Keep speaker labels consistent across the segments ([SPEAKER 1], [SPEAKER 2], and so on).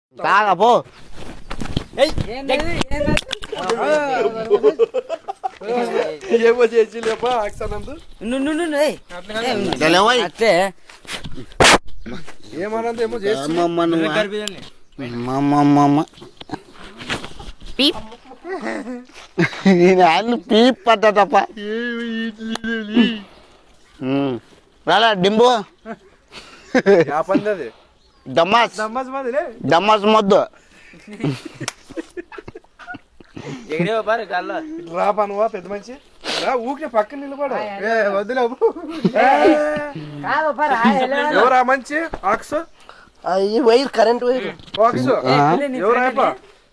[SPEAKER 1] కాగా పో
[SPEAKER 2] ఏమో చేసి లేపా ఆక్సానందు ఏమనందు ఏమో చేసి
[SPEAKER 1] పీప్ పట్ట తప్ప రాలా డింబు
[SPEAKER 2] పంది
[SPEAKER 1] దమ్మాస్ దమ్మాస్ మొద్దు
[SPEAKER 2] రా పనువా పెద్ద మంచి రా ఊకే పక్కన నిలబడు వదిలేవు ఎవరా మంచి ఆక్స్
[SPEAKER 3] వైర్ కరెంట్ వైర్
[SPEAKER 2] ఆక్స్ ఎవరా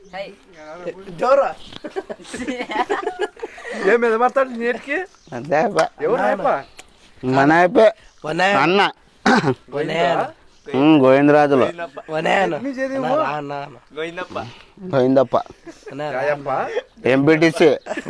[SPEAKER 2] ఏం మీద మాట్లాడు నేటికి ఎవరా
[SPEAKER 1] మన అయిపోయి అన్న గోవిందరాజులు గోవిందప్ప ఎంపీటీసీ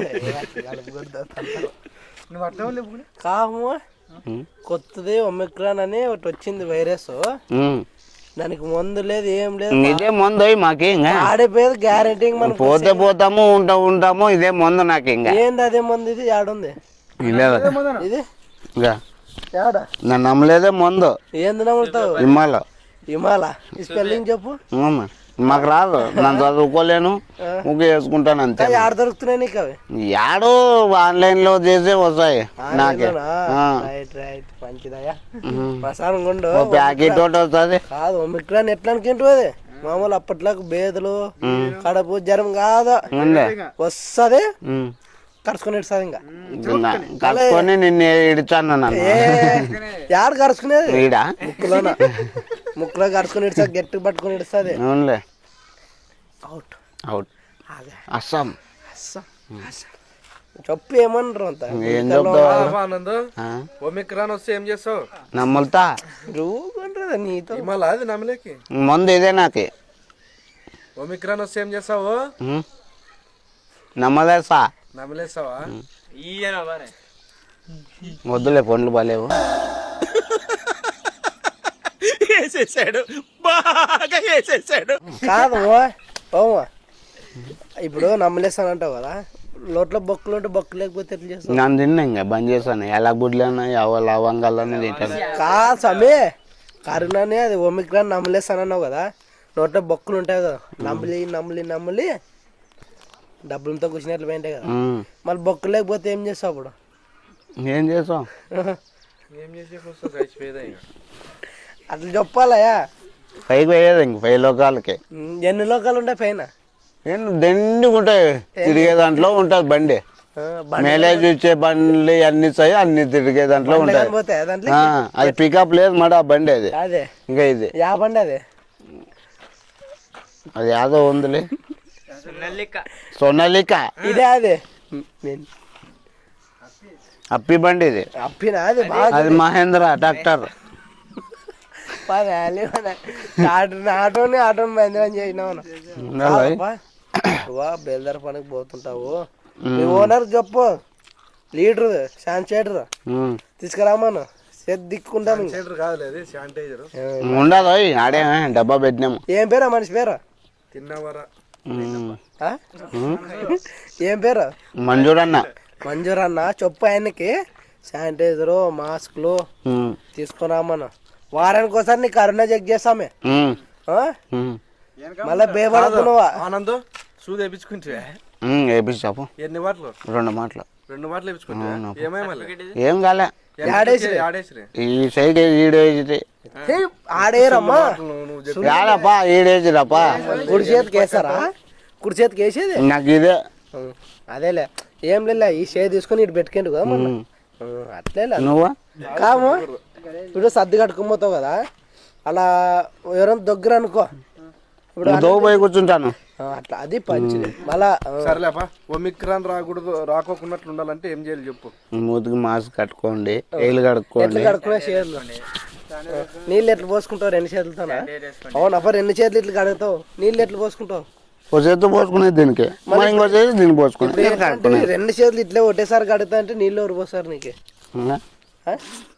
[SPEAKER 3] కాము కొత్తది ఒమిక్రాన్ అని ఒకటి వచ్చింది వైరస్ దానికి మందు లేదు ఏం లేదు
[SPEAKER 1] ఇదే మందు మాకు
[SPEAKER 3] ఆడిపోయేది గ్యారెంటీ మనం
[SPEAKER 1] పోతే పోతాము ఉంటాము ఇదే మందు నాకు ఇంకా
[SPEAKER 3] ఏంది అదే మందు ఇది ఆడుంది ఇది
[SPEAKER 1] నన్ను నమ్మలేదే మందు
[SPEAKER 3] ఏంది నమ్ముతావు హిమాల ఈ స్పెల్లింగ్ చెప్పు
[SPEAKER 1] మాకు రాదు నన్ను చదువుకోలేను ముగ్గు వేసుకుంటాను అంతే
[SPEAKER 3] ఆడ దొరుకుతున్నాయి నీకు అవి
[SPEAKER 1] యాడో ఆన్లైన్ లో చేసే వస్తాయి నాకే
[SPEAKER 3] రైట్ రైట్ మంచిదయ్యా ప్రసాదం కొండు
[SPEAKER 1] ప్యాకెట్ ఒకటి వస్తుంది
[SPEAKER 3] కాదు ఒమిక్రాన్ ఎట్లా అనుకుంటు అది మామూలు అప్పట్లోకి బేదలు కడుపు జ్వరం కాదు వస్తుంది కరుచుకుని ఇడుస్తుంది ఇంకా
[SPEAKER 1] కరుచుకొని నిన్ను ఇడిచాను నన్ను
[SPEAKER 3] యాడ కరుచుకునేది
[SPEAKER 1] ఈడ
[SPEAKER 3] ముక్కులో కరుచుకుని ఇడుస్తా గట్టి పట్టుకుని ఇడుస్తుంది
[SPEAKER 1] అవునులే
[SPEAKER 3] అవుట్
[SPEAKER 1] అవుట్ అస్సాం
[SPEAKER 3] చెప్పు ఏమన్నారు అంత
[SPEAKER 1] ఏం చెప్తావు
[SPEAKER 2] ఆనంద్ ఒమిక్రాన్ వస్తే ఏం చేస్తావు
[SPEAKER 1] నమ్ములుతా
[SPEAKER 3] రూపంటారా నీతో
[SPEAKER 2] మళ్ళా అది నమ్మలేకి
[SPEAKER 1] మందు ఇదే నాకు
[SPEAKER 2] ఒమిక్రాన్ వస్తే ఏం చేస్తావు
[SPEAKER 1] నమ్మలేసా
[SPEAKER 2] నమ్మలేస్తావా
[SPEAKER 1] వద్దులే పండ్లు బాలేవు
[SPEAKER 2] వేసేసాడు బాగా వేసేసాడు
[SPEAKER 3] కాదు ఓమా ఇప్పుడు నమ్మలేస్తానంటావు కదా లోట్లో బొక్కులు ఉంటే బొక్కు లేకపోతే ఎట్లా చేస్తావు
[SPEAKER 1] నన్ను తిన్నా ఇంకా బంద్ చేశాను ఎలా గుడ్లన్నా ఎవ లవంగాలన్నీ తింటాను
[SPEAKER 3] కాదు సమీ కరోనానే అది ఒమిక్రాన్ నమ్మలేస్తానన్నావు కదా నోట్లో బొక్కులు ఉంటాయి కదా నమ్మలి డబ్బులతో కూర్చున్నట్లు పోయింటాయి కదా మళ్ళీ బొక్కు లేకపోతే ఏం చేస్తావు అప్పుడు
[SPEAKER 1] ఏం చేసాం
[SPEAKER 3] అట్లా చెప్పాలయా
[SPEAKER 1] పైకి పోయేది ఇంక 5 లోకాలకి
[SPEAKER 3] ఎన్ని లోకాలు ఉంటాయి పైన
[SPEAKER 1] దండిగా ఉంటాయి తిరిగే దాంట్లో ఉంటుంది బండి మైలేజ్ ఇచ్చే బండ్లు అన్ని అన్ని తిరిగే దాంట్లో ఉంటాయి అది పికప్ లేదు మాట ఆ బండి అది
[SPEAKER 3] అదే
[SPEAKER 1] ఇంకా ఇది
[SPEAKER 3] యా బండి అది
[SPEAKER 1] యాదో ఉందిలే సొన్నలిక
[SPEAKER 3] ఇదే అదే
[SPEAKER 1] అప్పి బండి ఇది
[SPEAKER 3] అప్పినా అది
[SPEAKER 1] అది మహేంద్ర ట్రాక్టర్
[SPEAKER 3] ఆటోని మహేంద్ర చేసినావు బేల్దార్ పనికి పోతుంటావు మీ ఓనర్ చెప్పు లీడర్ శానిటైజర్ తీసుకురామాను దిక్కుంటాను
[SPEAKER 1] ఉండదు ఆడే డబ్బా పెట్టినాము
[SPEAKER 3] ఏం పేరా మనిషి పేరు
[SPEAKER 2] తిన్నవరా
[SPEAKER 3] ఏం పేరు మంజూరన్న చెప్పు ఆయనకి శానిటైజరు మాస్క్లు తీసుకురామను వారానికి ఒకసారి నీ కరోనా చెక్ చేస్తామే మళ్ళా బేబడుతున్నావా
[SPEAKER 2] ఆనంద్ సూది వేయించుకుంటే
[SPEAKER 1] ఎన్ని మాటలు 2 మాటలు
[SPEAKER 2] 2 మాటలు వేయించుకుంటా
[SPEAKER 1] ఏం కాలే ఈ సైడ్ ఈడేసి
[SPEAKER 3] ఆడేరమ్మా
[SPEAKER 1] యాడపా ఈడేసిరప్పా
[SPEAKER 3] కుడి చేతికి వేస్తారా కుడి చేతికి వేసేది
[SPEAKER 1] నాకు ఇదే
[SPEAKER 3] అదేలే ఏం లే ఈ షే తీసుకొని ఇటు పెట్టుకోండి కదా మొన్న అట్లే
[SPEAKER 1] నువ్వు
[SPEAKER 3] కాము ఇప్పుడు సర్ది కట్టుకుపోతావు కదా అలా ఎవరైనా దగ్గర అనుకో ఇప్పుడు
[SPEAKER 1] పోయి కూర్చుంటాను
[SPEAKER 3] అట్లా అది పంచిది మళ్ళా
[SPEAKER 2] సరేలేపా ఒమిక్రాన్ రాకోకున్నట్లు ఉండాలంటే ఏం చేయాలి చెప్పు
[SPEAKER 1] మూతికి మాస్క్ కట్టుకోండి ఏళ్ళు కడుక్కోండి
[SPEAKER 3] కడుక్కునే చేతులు నీళ్ళు ఎట్లా పోసుకుంటావు 2 చేతులతోనా అవును అప్ప 2 చేతులు ఇట్లా కడుగుతావు నీళ్ళు ఎట్లా పోసుకుంటావు
[SPEAKER 1] ఒక చేతితో పోసుకునేది దీనికి ఇంకో చేతి దీనికి పోసుకునే
[SPEAKER 3] 2 చేతులు ఇట్లా ఒకటేసారి కడుగుతా అంటే నీళ్ళు ఎవరు పోస్తారు నీకు